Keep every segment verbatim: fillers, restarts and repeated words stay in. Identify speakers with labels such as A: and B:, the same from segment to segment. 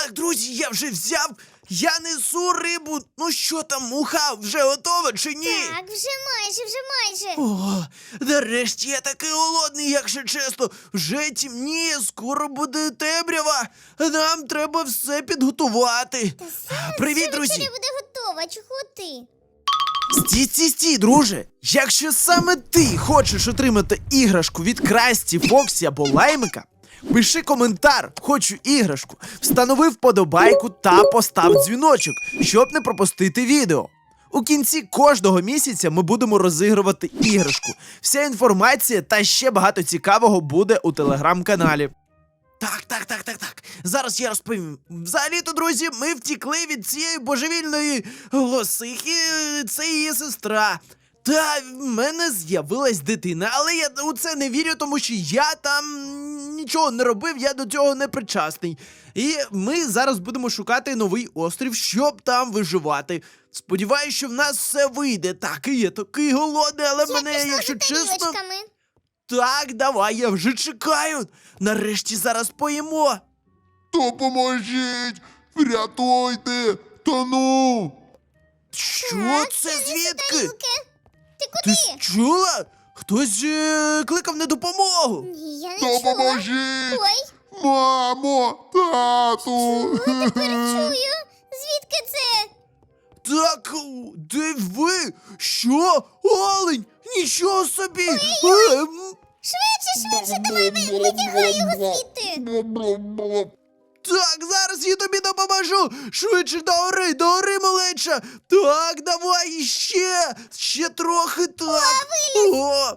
A: Так, друзі, я вже взяв. Я несу рибу. Ну що там, муха, вже готова чи ні?
B: Так, вже майже, вже майже.
A: О, нарешті я такий голодний, якщо чесно. Вже темніє, скоро буде темрява. Нам треба все підготувати. Привіт,
B: Вже
A: друзі.
B: вечеря буде готова, чого ти?
A: Стій, стій, стій, друже. Якщо саме ти хочеш отримати іграшку від Красті, Фоксі або Лаймика, пиши коментар «Хочу іграшку», встанови вподобайку та постав дзвіночок, щоб не пропустити відео. У кінці кожного місяця ми будемо розігрувати іграшку. Вся інформація та ще багато цікавого буде у телеграм-каналі. Так, так, так, так, так. Зараз я розповім. Взагалі-то, друзі, ми втікли від цієї божевільної лосихи, це її сестра. Та в мене з'явилась дитина, але я у це не вірю, тому що я там нічого не робив, я до цього не причасний. І ми зараз будемо шукати новий острів, щоб там виживати. Сподіваюсь, що в нас все вийде. Так, і я такий голодний, але
B: Я
A: мене,
B: пішла
A: якщо
B: за
A: чесно...
B: тарілочками.
A: Так, давай, я вже чекаю. Нарешті зараз поїмо.
C: Допоможіть! Врятуйте! Тону!
A: Що
B: Так,
A: це
B: принеси
A: звідки?
B: тарілки. Ти
A: Ти
B: куди?
A: чула? Хтось е, кликав на допомогу.
B: Ні, я не чула.
C: Допоможіть!
B: Ой,
C: Мамо! Тату!
B: тепер чую. Звідки це?
A: Так, де ви? Що? Олень? Нічого собі! Ем,
B: Швидше, швидше, давай ви- витягай його звідти.
A: Так, зараз я тобі допоможу. Швидше до гори, до гори, малеча. Так, давай іще. Ще трохи так. О,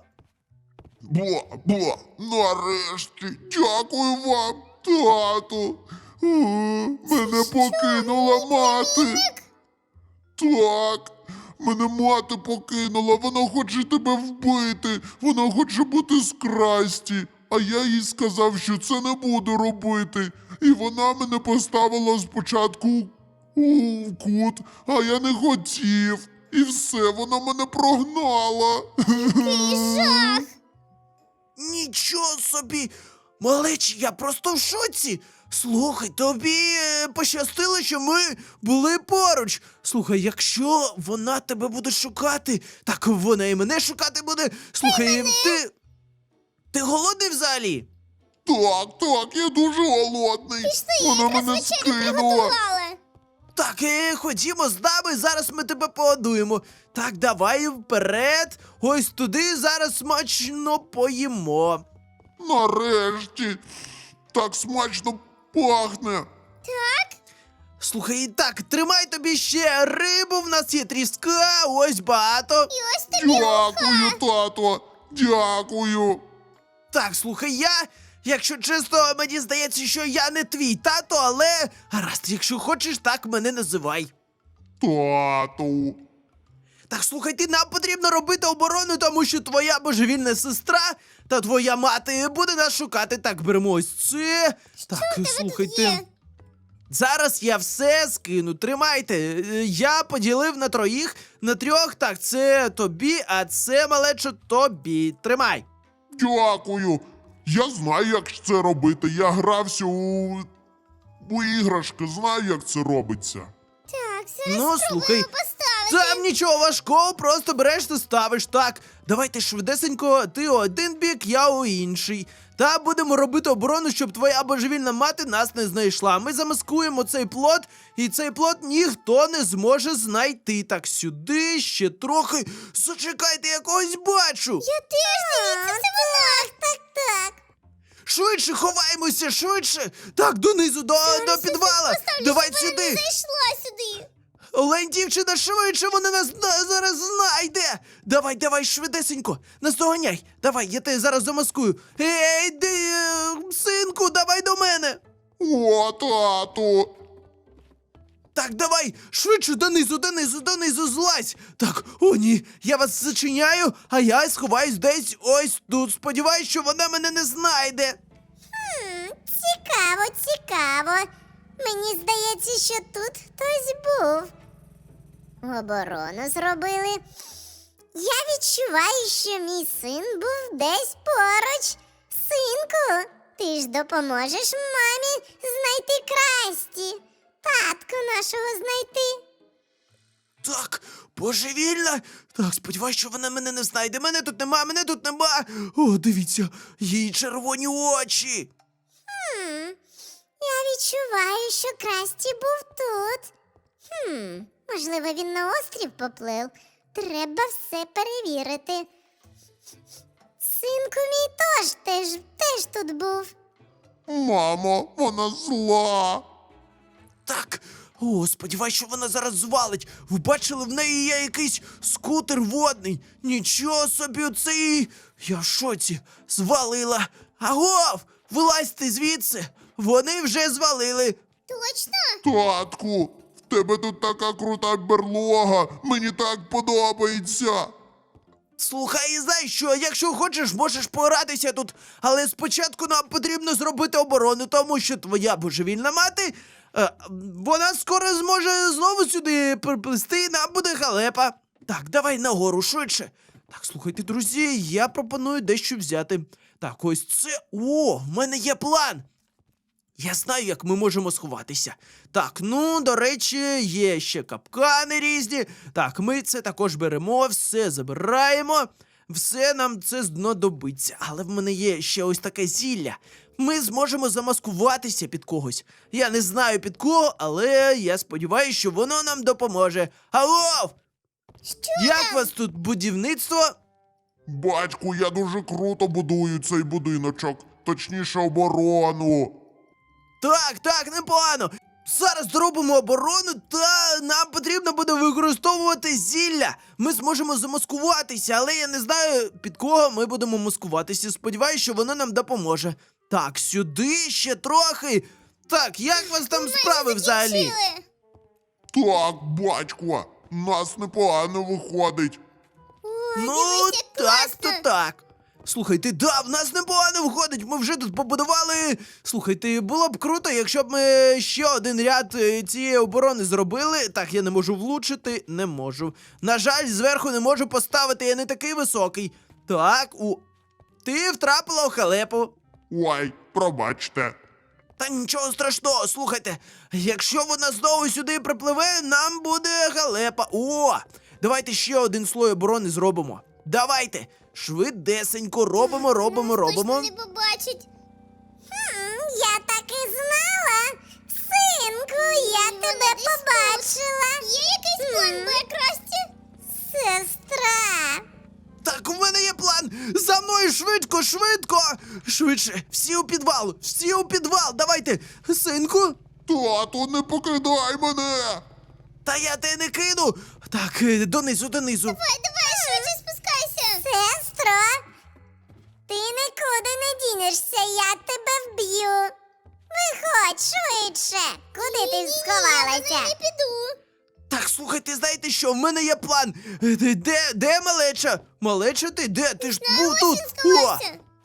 C: Бла, бла, нарешті! Дякую вам, тату! О, мене покинула мати! Так, мене мати покинула, вона хоче тебе вбити, вона хоче бути з Красті, а я їй сказав, що це не буду робити. І вона мене поставила спочатку у кут, а я не хотів. І все, вона мене прогнала.
B: Який жах.
A: нічого собі. Малечі, я просто в шоці. Слухай, тобі е, пощастило, що ми були поруч. Слухай, якщо вона тебе буде шукати, так вона і мене шукати буде. Слухай, ти. Ти голодний взагалі?
C: Так, так, я дуже голодний.
B: Пішли,
C: Вона
B: я якраз
C: мене
B: вечерю
C: скинула.
B: приготувала.
A: Так, е, ходімо з нами, зараз ми тебе погодуємо. Так, давай вперед. Ось туди зараз смачно поїмо.
C: Нарешті. Так смачно пахне.
A: Слухай, і так, тримай тобі ще рибу, в нас є тріска, ось багато.
B: І ось тобі
C: Дякую, тато. Дякую.
A: Так, слухай, я, якщо чесно, мені здається, що я не твій тато, але гаразд, якщо хочеш, так мене називай.
C: Тату.
A: Так, слухай, ти, нам потрібно робити оборону, тому що твоя божевільна сестра та твоя мати буде нас шукати. Так, беремо ось це. Так, слухайте.
B: є?
A: Зараз я все скину, тримайте. Е, Я поділив на троїх, на трьох. Так, це тобі, а це, малечо, тобі. Тримай.
C: Дякую. Я знаю, як це робити. Я грався у, у іграшки, знаю, як це робиться.
B: Так, зараз
A: Ну,
B: спробуємо
A: слухай,
B: поставити.
A: Там нічого важкого, просто береш та ставиш. Так, давайте швидесенько, ти у один бік, я у інший. Та будемо робити оборону, щоб твоя божевільна мати нас не знайшла. Ми замаскуємо цей плот, і цей плот ніхто не зможе знайти. Так, сюди, ще трохи. Зачекайте, я когось бачу.
B: Я теж, дивіться, це вона. Так, так.
A: Швидше ховаємося, швидше. Так, донизу, до, до підвала.
B: Поставлю,
A: Давай
B: щоб вона не
A: сюди.
B: зайшла сюди.
A: Олень, дівчина, швидше, вона нас зна- зараз знайде! Давай, давай, швидесенько, наздоганяй! Давай, я тебе зараз замаскую. Ей, ти, е, синку, давай до мене!
C: О, тату.
A: Так, давай, швидше, донизу, донизу, донизу, злазь! Так, о ні, я вас зачиняю, а я сховаюсь десь ось тут. Сподіваюсь, що вона мене не знайде.
B: Хм, цікаво, цікаво. Мені здається, що тут хтось був. Оборону зробили. Я відчуваю, що мій син був десь поруч. Синку, ти ж допоможеш мамі знайти Красті. нашого знайти.
A: Так, божевільна. Так, сподіваюсь, що вона мене не знайде. Мене тут нема, мене тут нема. О, дивіться, її червоні очі.
B: Хм, я відчуваю, що Красті був тут. Хм, можливо, він на острів поплив. Треба все перевірити. Синку мій тож теж, теж тут був.
C: Мамо, вона зла.
A: Так, о, сподіваюсь, що вона зараз звалить. Ви бачили, в неї є якийсь скутер водний. Нічого собі, оцей. Я в шоці. Звалила. Агов! Вилазьте звідси. Вони вже звалили.
B: Точно?
C: Татку, в тебе тут така крута берлога. Мені так подобається.
A: Слухай, і знаєш що, якщо хочеш, можеш поратися тут, але спочатку нам потрібно зробити оборону, тому що твоя божевільна мати, е, вона скоро зможе знову сюди приплисти, і нам буде халепа. Так, давай нагору швидше. Так, слухайте, друзі, я пропоную дещо взяти. Так, ось це. О, в мене є план. Я знаю, як ми можемо сховатися. Так, ну, до речі, є ще капкани різні. Так, ми це також беремо, все забираємо. Все нам це знадобиться. Але в мене є ще ось таке зілля. Ми зможемо замаскуватися під когось. Я не знаю під кого, але я сподіваюся, що воно нам допоможе. Алло!
B: Що?
A: Як вас тут будівництво?
C: Батьку, я дуже круто будую цей будиночок. Точніше, оборону.
A: Так, так, непогано. Зараз зробимо оборону, та нам потрібно буде використовувати зілля. Ми зможемо замаскуватися, але я не знаю, під кого ми будемо маскуватися. Сподіваюсь, що воно нам допоможе. Так, сюди ще трохи. Так, як у вас там справи взагалі?
B: Закінчили.
C: Так, батько, нас непогано виходить.
B: Ой,
A: Ну,
B: дивись, як
A: так,
B: класно.
A: то так. Слухайте, да, в нас непогано виходить. Ми вже тут побудували. Слухайте, було б круто, якщо б ми ще один ряд е, цієї оборони зробили. Так, я не можу влучити, не можу. На жаль, зверху не можу поставити, я не такий високий. Так, у. Ти втрапила у халепу.
C: Ой, пробачте.
A: Та нічого страшного, слухайте, якщо вона знову сюди припливе, нам буде халепа. О! Давайте ще один слой оборони зробимо. Давайте! Швидесенько робимо, робимо,
B: Нас
A: робимо.
B: точно не побачить. Хм, я так і знала. Синку, я тебе побачила. Є якийсь план Б, Красті? Сестра.
A: Так, у мене є план! За мною швидко, швидко! Швидше! Всі у підвал! Всі у підвал! Давайте! Синку!
C: Тату, не покидай мене.
A: Та я тебе не кину! Так, е, донизу, донизу.
B: Давай, давай, швидше спускайся. Сестро, ти нікуди не дінешся, я тебе вб'ю. Виходь швидше. Куди ти сховалася? Я не піду.
A: Так, слухайте, знаєте що? В мене є план! Е, Де, де, де малеча? Малеча ти? Де? Ти ж був тут! О!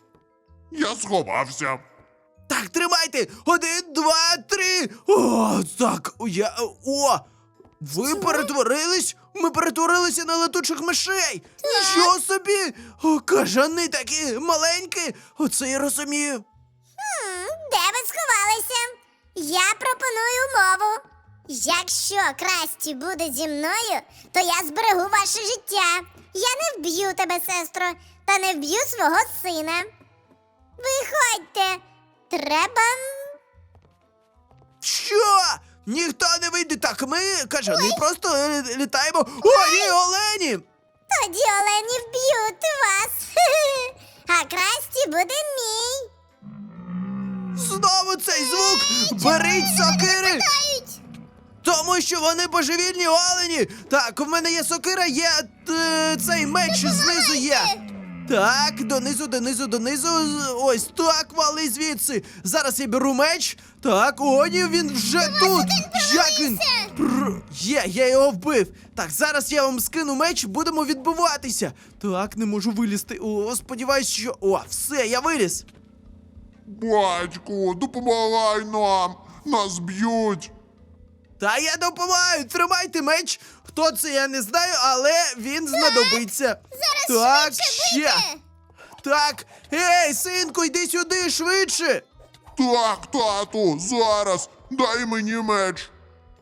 C: Я сховався.
A: Так, тримайте! Один, два, три! О, так, о, я. О! Ви перетворились? Ми перетворилися на летучих мишей! Нічого собі! О, кажани такі маленькі! Оце я розумію.
B: М, Де ви сховалися? Я пропоную умову. Якщо Красті буде зі мною, то я зберегу ваше життя. Я не вб'ю тебе, сестро, та не вб'ю свого сина. Виходьте. Треба.
A: Що? Ніхто не вийде. Так, ми, кажани, просто е, літаємо. О, ні, олені!
B: Тоді олені вб'ють вас. А Красті буде мій.
A: Знову цей звук! Беріть сокири! Тому що вони божевільні олені! Так, у мене є сокира, є е, цей меч знизу є. Так, донизу, донизу, донизу. з- Ось так, вали звідси. Зараз я беру меч. Так, о, ні, він вже тут. Як він? Пр... Є, я його вбив. Так, зараз я вам скину меч, будемо відбиватися. Так, не можу вилізти. О, сподіваюсь, що. О, все, я виліз.
C: Батьку, допомагай нам. Нас б'ють.
A: Та я допомагаю, тримайте меч. Хто це, я не знаю, але він знадобиться.
B: Зараз
A: так,
B: швидше
A: ще.
B: бийте.
A: Так, ей, синку, йди сюди швидше.
C: Так, тату, зараз. Дай мені меч.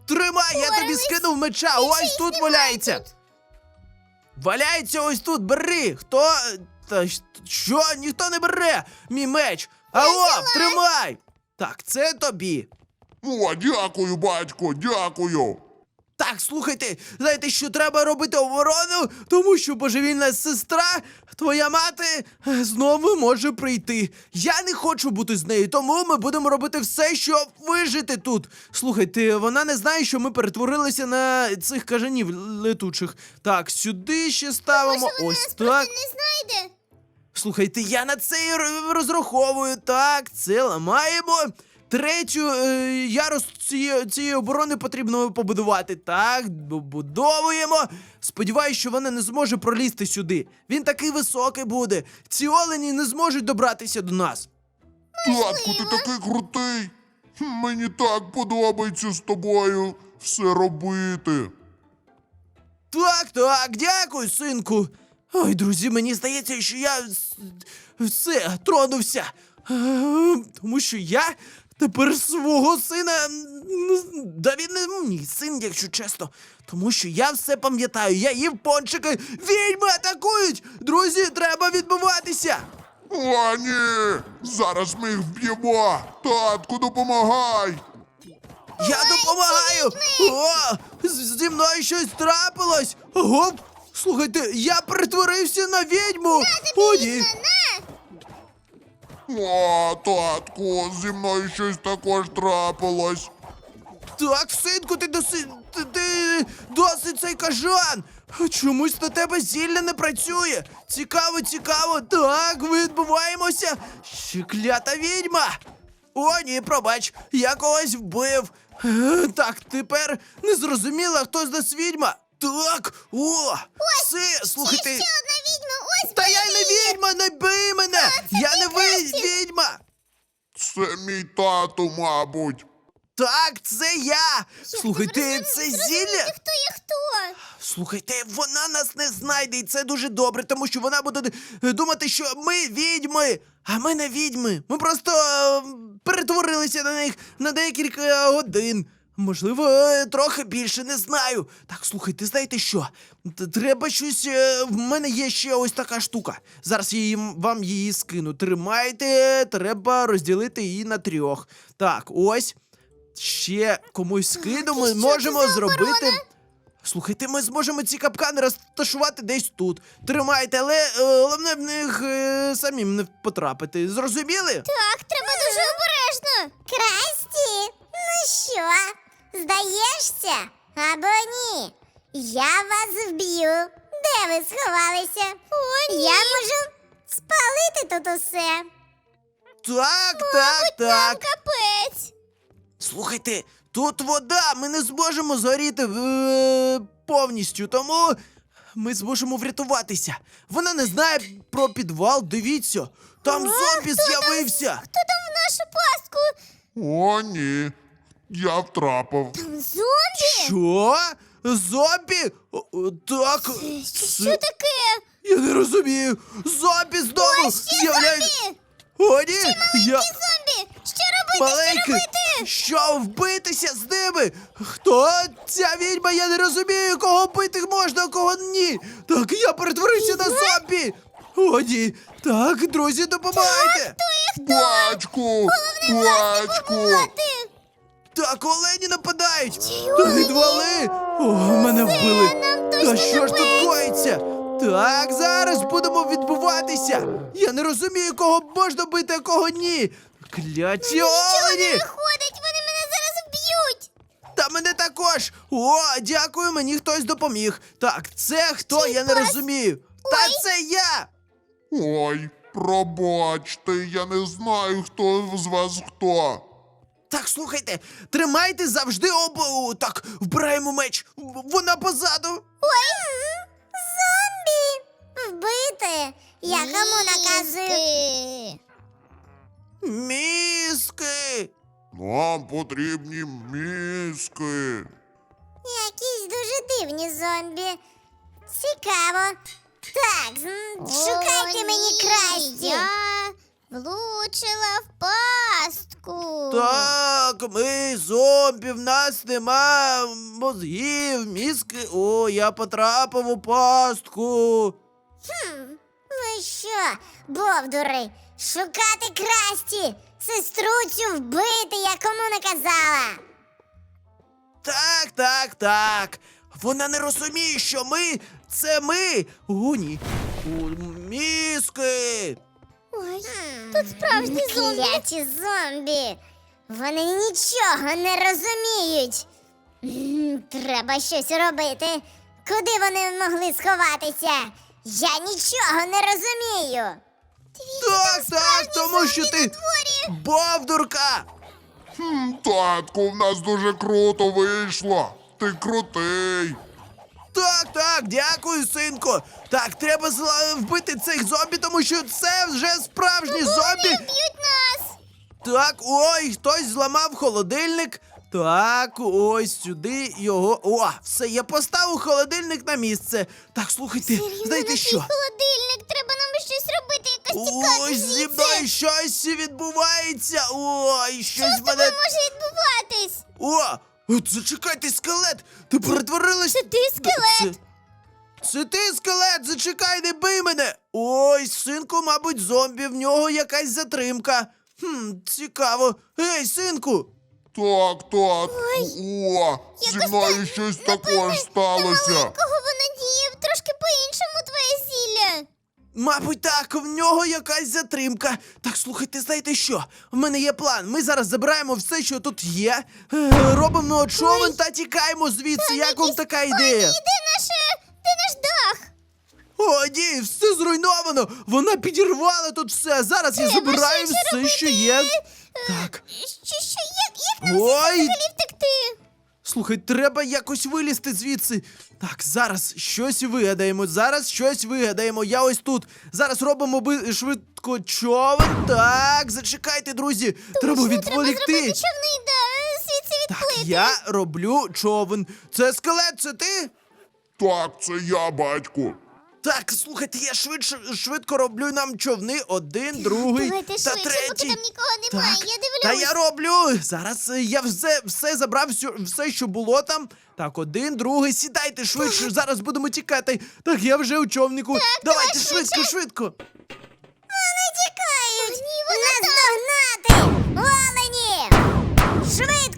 A: Тримай, я тобі
B: Впорались.
A: скинув меча,
B: Більше
A: ось
B: їх
A: тут
B: немає
A: валяється.
B: тут.
A: Валяється ось тут, бери. Хто? Та щ- що? Ніхто не бере мій меч. Алло, тримай. Так, це тобі.
C: О, дякую, батько, дякую.
A: Так, слухайте, знаєте, що треба робити оборону, тому що божевільна сестра, твоя мати, е, знову може прийти. Я не хочу бути з нею, тому ми будемо робити все, щоб вижити тут. Слухайте, вона не знає, що ми перетворилися на цих кажанів летучих. Так, сюди ще ставимо.
B: Може, вона
A: Ось
B: нас
A: так.
B: просто не знайде?
A: Слухайте, я на це і р- розраховую. Так, це ламаємо. Третю е, ярус цієї, цієї оборони потрібно побудувати. Так, добудовуємо. Сподіваюсь, що вона не зможе пролізти сюди. Він такий високий буде. Ці олені не зможуть добратися до нас.
C: Татку, ти такий крутий. Хм, Мені так подобається з тобою все робити.
A: Так, так, дякую, синку. Ой, друзі, мені здається, що я с- все тронувся. Е, Тому що я тепер свого сина. м, Да він не мій син, якщо чесно. Тому що я все пам'ятаю. Я їв пончики. Відьми атакують! Друзі, треба відбуватися!
C: О, ні! Зараз ми їх вб'ємо! Татку, допомагай!
A: Я допомагаю! О, з- зі мною щось трапилось! Гоп! Слухайте, я перетворився на відьму! О, ні!
C: О, татку, зі мною щось також трапилось.
A: Так, синку, ти доси... ти, ти досить цей кажан! Чомусь на тебе зілля не працює! Цікаво, цікаво! Так, відбуваємося! Ще клята відьма! О, ні, пробач, я когось вбив! Е, Так, тепер не зрозуміла, хто з нас відьма! Так, о! Все, слухайте!
B: Ще одна відьма, ось
A: Та я не відьма, не бий мене! Я не ви відьма!
C: Це мій тато, мабуть.
A: Так, це я! Слухайте,
B: ви
A: це
B: зрозуміли,
A: зілля!
B: хто є хто?
A: Слухайте, вона нас не знайде, і це дуже добре, тому що вона буде е, думати, що ми відьми, а ми не відьми. Ми просто е, перетворилися на них на декілька годин. Можливо, е, трохи більше, не знаю. Так, слухайте, знаєте що? Т- Треба щось. е, В мене є ще ось така штука. Зараз я їм, вам її скину. Тримайте, треба розділити її на трьох. Так, ось. Ще комусь скину, ми
B: і що
A: можемо
B: це за
A: зробити.
B: оборона?
A: Слухайте, ми зможемо ці капкани розташувати десь тут. Тримайте, але е, головне в них е, самим не потрапити. Зрозуміли?
B: Так, треба дуже обережно. Красті, ну що, здаєшся? Або ні? Я вас вб'ю. Де ви сховалися? О, ні. Я можу спалити тут усе.
A: Так, так, так.
B: Капець.
A: Слухайте, тут вода, ми не зможемо згоріти е, повністю, тому ми зможемо врятуватися. Вона не знає про підвал, дивіться. Там зомбі з'явився.
B: Хто там в нашу пастку?
C: О, ні. Я втрапив.
B: Там зомбі?
A: Що? Зомбі? О, о, так.
B: Що,
A: це-
B: що таке?
A: Я не розумію. Зомбі знову
B: Ще
A: з'являються.
B: зомбі!
A: О, ні! Я...
B: Ті зомбі! Що робити?
A: Маленький!
B: Що робити?
A: Що вбитися з ними? Хто ця відьма? Я не розумію, кого бити можна, а кого ні. Так, я перетворився на зомбі. О, ні. Так, друзі, допомагайте.
C: Батьку! Батьку!
B: Ти!
A: Так, олені нападають.
B: Ці
A: Та
B: олені?
A: відвали. О, мене вбили.
B: нам
A: Та
B: точно
A: що ж тут
B: капець.
A: коїться? Так, зараз будемо відбуватися. Я не розумію, кого можна бити, а кого ні. Кляті
B: Нічого не
A: олені.
B: виходить, вони мене зараз вб'ють!
A: Та мене також! О, дякую, мені хтось допоміг. Так, це хто, я не
B: пес?
A: розумію. Та це я!
C: Ой, пробачте, я не знаю, хто з вас хто.
A: Так, слухайте, тримайте завжди обу. Так, вбираємо меч. В- Вона позаду.
B: Ой! Зомбі! Вбити! Я кому наказую?
A: Мізки.
C: Нам потрібні мізки.
B: Якісь дуже дивні зомбі. Цікаво. Так, м, шукайте мені красті. Я Влучила в пастку.
A: Так, ми зомбі, в нас нема мозгів, мізки. О, я потрапив у пастку.
B: Ви що, бовдури, шукати Красті, сестру цю вбити, я кому наказала?
A: Так, так, так. Вона не розуміє, що ми це ми. О, ні. О, мізки.
B: Ой, тут справжні зомбі. Кляті зомбі. Вони нічого не розуміють. М, Треба щось робити. Куди вони могли сховатися? Я нічого не розумію.
A: Так, так, тому що ти бовдурка.
C: Хм, татку, в нас дуже круто вийшло. Ти крутий.
A: Так, так, дякую, синку. Так, треба зла- вбити цих зомбі, тому що це вже справжні зомбі.
B: Б'ють нас.
A: Так, ой, хтось зламав холодильник. Так, ось сюди його. О, все, я поставив холодильник на місце. Так, слухайте, знаєте що?
B: Холодильник, треба нам щось робити, якось тікати
A: Ой, зі
B: звідси.
A: мною щось відбувається. Ой, щось
B: Що з
A: мене.
B: тобою може відбуватись?
A: О! От зачекайте, скелет! Ти перетворилась.
B: Це ти скелет?
A: Це, це ти скелет! Зачекай, не бий мене! Ой, синку, мабуть, зомбі, в нього якась затримка. Хм, цікаво. Ей, синку!
C: Так, так. О, зі
B: якось
C: мною щось також сталося.
B: Кого воно діє? Трошки по-іншому твоє зілля.
A: Мабуть, так, в нього якась затримка. Так, слухайте, знаєте що? В мене є план. Ми зараз забираємо все, що тут є, е, робимо човен та тікаємо звідси. Як вам така ідея?
B: Де наше, де наш дах?
A: О, ні, все зруйновано! Вона підірвала тут все. Зараз я забираю
B: щось
A: все, що є. Так.
B: Що, що, як, як нам
A: Ой!
B: взагалі втекти?
A: Слухай, треба якось вилізти звідси. Так, зараз щось вигадаємо. Зараз щось вигадаємо. Я ось тут. Зараз робимо би швидко човен. Так, зачекайте, друзі. треба
B: Треба зробити
A: відволікти.
B: човний, да, звідси
A: Так,
B: відплити.
A: я роблю човен. Це скелет, це ти?
C: Так, це я, батьку.
A: Так, слухайте, я швидше швидко роблю нам човни. Один, другий
B: Давайте
A: та
B: швидше, поки
A: третій.
B: там нікого немає,
A: Так,
B: я дивлюсь.
A: Та я роблю. Зараз е, я все, все забрав, все, все, що було там. Так, один, другий, сідайте швидше. Зараз будемо тікати. Так, я вже у човнику. Давайте
B: давай
A: швидко,
B: швидше.
A: швидко.
B: Вони тікають. Нас догнати. Олені! Швидко!